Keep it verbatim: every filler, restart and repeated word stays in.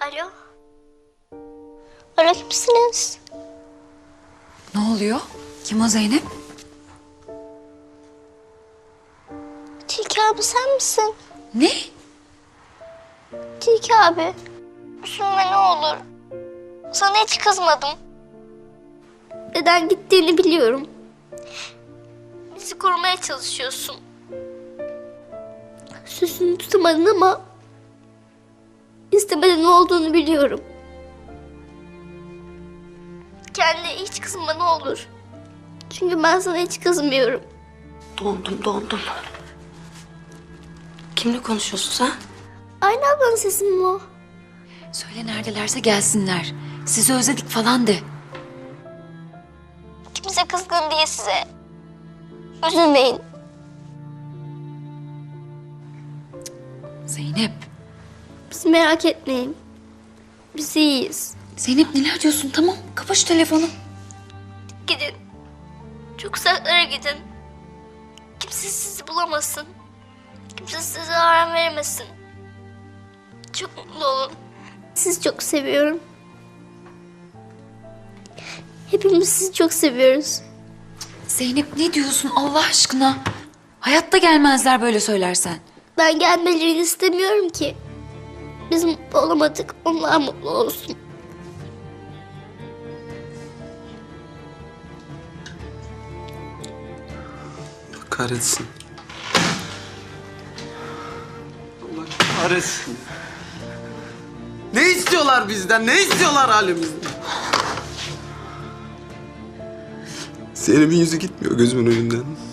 Alo. Alo, kimsiniz? Ne oluyor? Kim o Zeynep? Tilki abi sen misin? Ne? Tilki abi. Üzülme ne olur. Sana hiç kızmadım. Neden gittiğini biliyorum. Bizi korumaya çalışıyorsun. Sözünü tutamadın ama istemeden ne olduğunu biliyorum. Kendine hiç kızma ne olur. Çünkü ben sana hiç kızmıyorum. Dondum dondum. Kimle konuşuyorsun sen? Aynı ablanın sesi mi o? Söyle neredelerse gelsinler. Sizi özledik falan de. Kimse kızgın diye size. Üzülmeyin. Zeynep. Bizi merak etmeyin. Biz iyiyiz. Zeynep neler diyorsun? Tamam kapa şu telefonu. Gidin. Çok uzaklara gidin. Kimse sizi bulamasın. Kimse size zarar veremesin. Çok mutlu olun. Sizi çok seviyorum. Hepimiz sizi çok seviyoruz. Zeynep ne diyorsun Allah aşkına? Hayatta gelmezler böyle söylersen. Ben gelmelerini istemiyorum ki. Biz mutlu olamadık. Onlar mutlu olsun. Allah kahretsin. Allah kahretsin. Ne istiyorlar bizden? Ne istiyorlar halimizden? Zeynep'in yüzü gitmiyor gözümün önünden.